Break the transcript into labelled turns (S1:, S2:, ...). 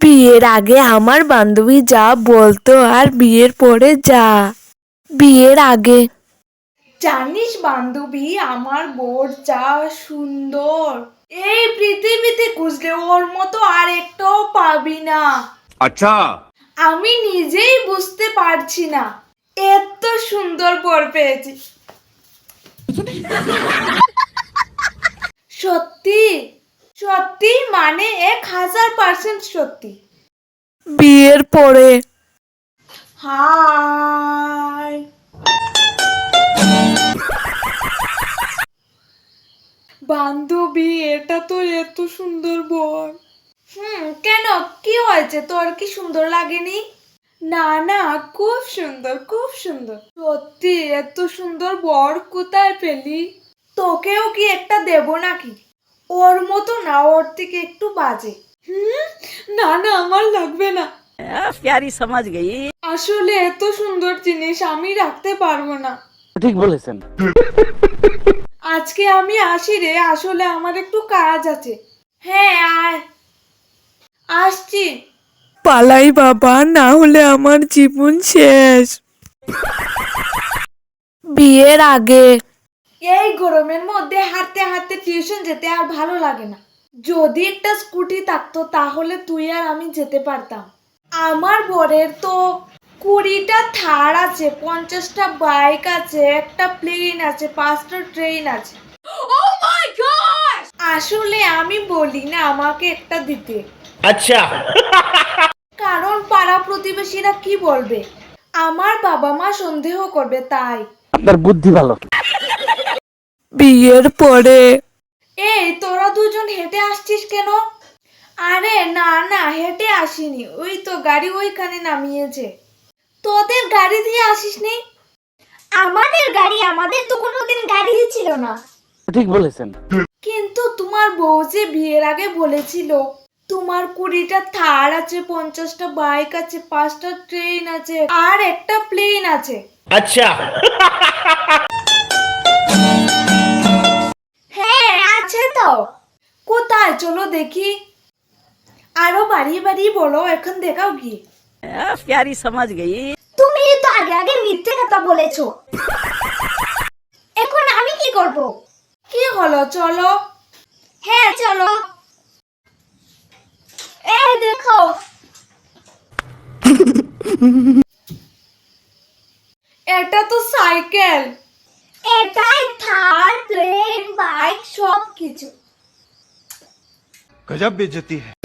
S1: বিয়ের আগে আমার বান্ধবী যা বলতো আর বিয়ের পরে যা। বিয়ের আগে,
S2: জানিস বান্ধবী, আমার বোর যা সুন্দর, এই পৃথিবীতে খুঁজলে ওর মতো আর একটাও পাবি না।
S3: अच्छा।
S2: আমি নিজেই বুঝতে পারছি না এত সুন্দর বর পেয়েছি। সত্যি সত্যি, মানে 1000% সত্যি।
S1: বিয়ের পরে,
S2: হাই বান্ধবী, এটা তো এত সুন্দর বর। কেন, কি হয়েছে, তোর কি সুন্দর লাগেনি? না না, খুব সুন্দর, খুব সুন্দর। সত্যি এত সুন্দর বর কোথায় পেলি? তোকেও কি একটা দেব নাকি? ওর মতো না, ওর থেকে একটু বাজে। না না, আমার লাগবে না।
S4: प्यारी समझ गई।
S2: আসলে এত সুন্দর জিনিস আমি রাখতে পারবো না।
S4: ঠিক বলেছেন।
S2: আজকে আমি আসি রে, আসলে আমার একটু কাজ আছে। হ্যাঁ আয়, আসছি।
S1: পালাই বাবা, না হলে আমার জীবন শেষ। বিয়ের আগে,
S2: এই গরমের মধ্যে হাঁটতে হাঁটতে টিউশন যেতে আর ভালো লাগে না। যদি একটা স্কুটি থাকতো তাহলে তুই আর আমি যেতে পারতাম। আমার বরের তো 20টা থার আছে, 50টা বাইক আছে, একটা প্লেন আছে, 5টা ট্রেন আছে। আসলে আমি বলি না আমাকে একটা দিতে,
S3: अच्छा।
S2: কারণ পাড়া প্রতিবেশীরা কি বলবে, আমার বাবা মা সন্দেহ করবে তাই।
S4: আপনার বুদ্ধি ভালো।
S1: বিয়ের পরে,
S2: এই তোরা দুজন হেঁটে আসছিস কেন? আরে না না, হেঁটে আসিনি, ওই তো গাড়ি ওইখানে নামিয়েছে। তোদের গাড়ি দিয়ে আসিসনি?
S5: আমাদের গাড়ি, আমাদের তো কোনোদিন গাড়ি ছিল না।
S4: ঠিক বলেছেন।
S2: কিন্তু তোমার বউ যে বিয়ের আগে বলেছিল তোমার 20টা থার আছে, 50টা বাইক আছে, 5টা ট্রেন আছে, আর একটা প্লেন আছে।
S3: अच्छा।
S5: হ্যাঁ আছে তো।
S2: কোথায়, চলো দেখি। আরো বাড়িয়ে বাড়িয়ে বলো, এখন দেখাও গিয়ে।
S4: प्यारी समझ गई।
S5: তুমি তো আগে আগে মিথ্যে কথা বলেছো। এখন আমি কি করব?
S2: কি হলো, চলো।
S5: হ্যাঁ চলো। এই দেখো।
S2: এটা তো সাইকেল।
S5: এটাই থার, প্লেন, বাইক সব কিছু।
S3: गजब बेइज्जती है।